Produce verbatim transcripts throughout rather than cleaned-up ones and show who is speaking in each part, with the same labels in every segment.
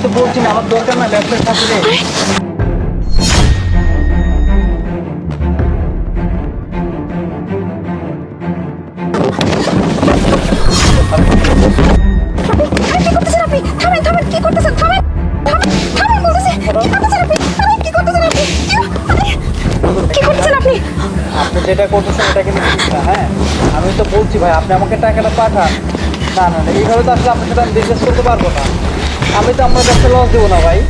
Speaker 1: তো বলছি না আমার দরকার না ব্যবসার সাথে। আপনি যেটা করতেছেন এটা কিন্তু ঠিক না। হ্যাঁ আমি তো বলছি ভাই আপনি আমাকে টাকাটা পাঠান। না না না এইভাবে তো আসলে আপনার সাথে আমি বিজনেস করতে পারবো না। আমি তো আমার ব্যবসা লস দেবো না ভাই।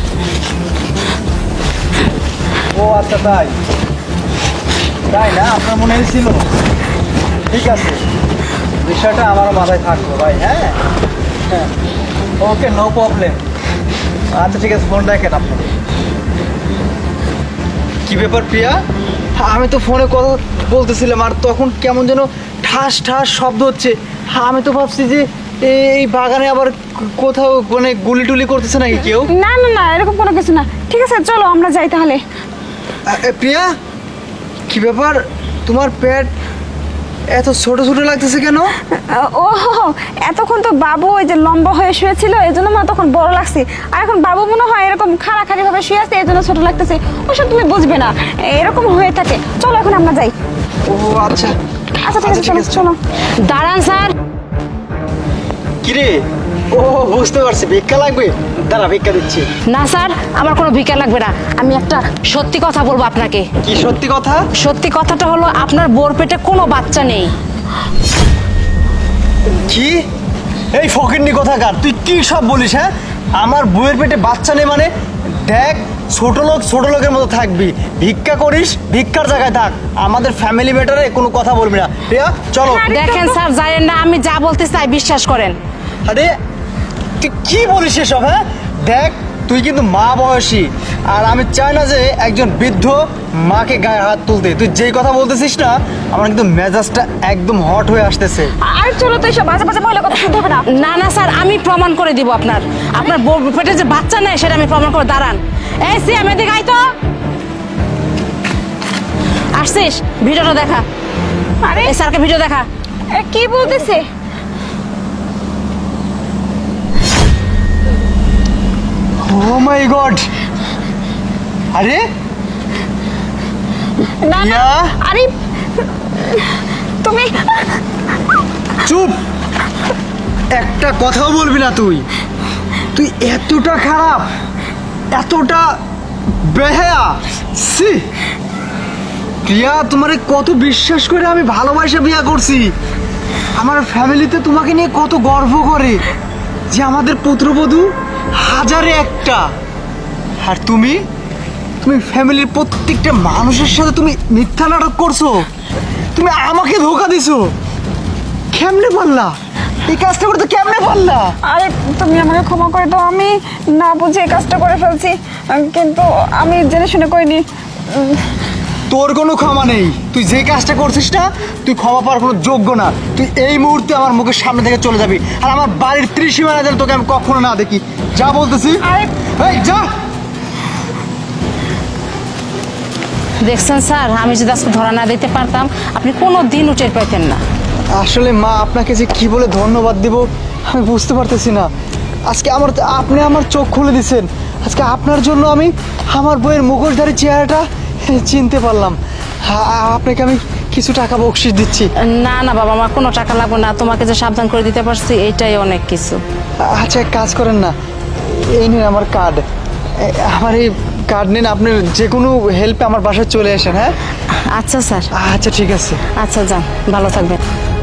Speaker 1: ও আচ্ছা তাই তাই না আপনার মনে হয়েছিল? ঠিক আছে বিষয়টা আমার মাথায় থাকলো ভাই। হ্যাঁ হ্যাঁ ওকে নো প্রবলেম। আচ্ছা ঠিক আছে ফোন রাখেন আপনি। কি ব্যাপার প্রিয়া? আমি তো ফোনে কথা বলতেছিলাম আর তখন কেমন যেন ঠাস ঠাস শব্দ হচ্ছে। আমি তো ভাবছি যে এই বাগানে আবার কোথাও মানে গুলি টুলি করতেছে নাকি কেউ।
Speaker 2: না না না এরকম কোনো কিছু না। ঠিক আছে চলো আমরা যাই তাহলে।
Speaker 1: প্রিয়া কি ব্যাপার তোমার পেট এত ছোট ছোট লাগতেছে কেন?
Speaker 2: ও এতক্ষণ তো বাবু ওই যে লম্বা হয়ে শুয়েছিল এই জন্য মনে তখন বড় লাগছে, আর এখন বাবু মনে হয় এরকম খাড়াখাড়ি ভাবে শুয়ে আছে এই জন্য ছোট লাগতেছে। ওসব তুমি বুঝবে না, এরকম হয়ে থাকে। চলো এখন আমরা যাই।
Speaker 1: ও আচ্ছা
Speaker 2: আচ্ছা ঠিক আছে চলো চলো।
Speaker 3: দাঁড়ান স্যার।
Speaker 1: কিরে? ও বুঝতে পারছি ভিক্ষা লাগবে, দাঁড়া ভিক্ষা দিচ্ছি।
Speaker 3: না স্যার আমার কোনো ভিক্ষা লাগবে না, আমি একটা সত্যি কথা বলবো আপনাকে।
Speaker 1: কি সত্যি কথা?
Speaker 3: সত্যি কথাটা হলো আপনার বোর পেটে কোনো বাচ্চা নেই।
Speaker 1: কি? এই ফকিন্নি কথাকার তুই কি সব বলিস? হ্যাঁ আমার বউয়ের পেটে বাচ্চা নেই মানে? দেখ ছোট লোক ছোট লোকের মতো থাকবি, ভিক্ষা করিস ভিক্ষার জায়গায় থাক, আমাদের ফ্যামিলি ম্যাটারে কোনো কথা বলবি না। প্রিয়া চলো।
Speaker 3: দেখেন স্যার জানেন না আমি যা বলতে চাই বিশ্বাস করেন।
Speaker 1: আরে তুই কি বলিস এসব? হ্যাঁ দেখ তুই কিন্তু মা বয়সী আর আমি চাই না যে একজন বৃদ্ধ মাকে গায়ে হাত তুলতে। তুই যেই কথা বলতেছিস না আমার কিন্তু মেজাজটা একদম হট হয়ে আসতেছে।
Speaker 2: আর চলো তো এসব বাজে বাজে মহিলা কথা শুনতে হবে না।
Speaker 3: না না স্যার আমি প্রমাণ করে দিব আপনার, আপনার বোর পেটে যে বাচ্চা নেই সেটা আমি প্রমাণ করে। দাঁড়ান এই সি আমি এদিকে আই তো। আসছিস ভিডিওটা দেখা।
Speaker 2: আরে
Speaker 3: এই স্যারকে ভিডিও দেখা।
Speaker 2: এ, কি বলতেছে?
Speaker 1: Oh my God! আরে
Speaker 2: না না
Speaker 1: প্রিয়া?
Speaker 2: আরে তুমি
Speaker 1: চুপ, একটা কথাও বলবি না তুই। তুই এতটা খারাপ, এতটা বেহায়া। সি প্রিয়া তোমারে কত বিশ্বাস করে আমি ভালোবাসা বিয়ে করছি। আমার ফ্যামিলিতে তোমাকে নিয়ে কত গর্ব করে যে আমাদের পুত্রবধূ হাজারে একটা। আর তুমি তুমি ফ্যামিলির প্রত্যেকটা মানুষের সাথে তুমি মিথ্যা নাটক করছো, তুমি আমাকে ধোকা দিছো। কেমনে পারলা এই কাজটা করতে? কেমনে পারলা?
Speaker 2: আরে তুমি আমাকে ক্ষমা করে দাও, আমি না বুঝে এই কাজটা করে ফেলছি, কিন্তু আমি জেনে শুনে করিনি।
Speaker 1: তোর কোনো ক্ষমা নেই, তুই যে কাজটা করছিস না তুই ক্ষমা পাওয়ার কোনো যোগ্য না। তুই এই মুহূর্তে আমার মুখের সামনে থেকে চলে যাবি, আর আমার বাড়ির ত্রিসীমানা যেন তোকে আমি কখনো না দেখি। যা বলতেছি
Speaker 2: আরে
Speaker 1: এই যা।
Speaker 3: দেখছেন স্যার আমি যদি আজকে ধরা না দিতে পারতাম আপনি কোনো দিন উঠে পাইতেন না।
Speaker 1: আসলে মা আপনাকে যে কি বলে ধন্যবাদ দিব আমি বুঝতে পারতেছি না। আজকে আমার আপনি আমার চোখ খুলে দিচ্ছেন। আজকে আপনার জন্য আমি আমার বইয়ের মুখোশধারী চেহারাটা চিনতে পারলাম। আ- আপনাকে আমি কিছু টাকা বকশিশ দিচ্ছি।
Speaker 3: না না বাবা আমার কোনো টাকা লাগবে না, তোমাকে যে সাবধান করে দিতে পারছি এইটাই অনেক কিছু।
Speaker 1: আচ্ছা এক কাজ করেন না, এই নিন আমার কার্ড। আমার এই কার্ড নিন, আপনার যে কোনো হেল্পে আমার বাসায় চলে আসেন। হ্যাঁ
Speaker 3: আচ্ছা স্যার।
Speaker 1: আচ্ছা ঠিক আছে।
Speaker 3: আচ্ছা যান ভালো থাকবেন।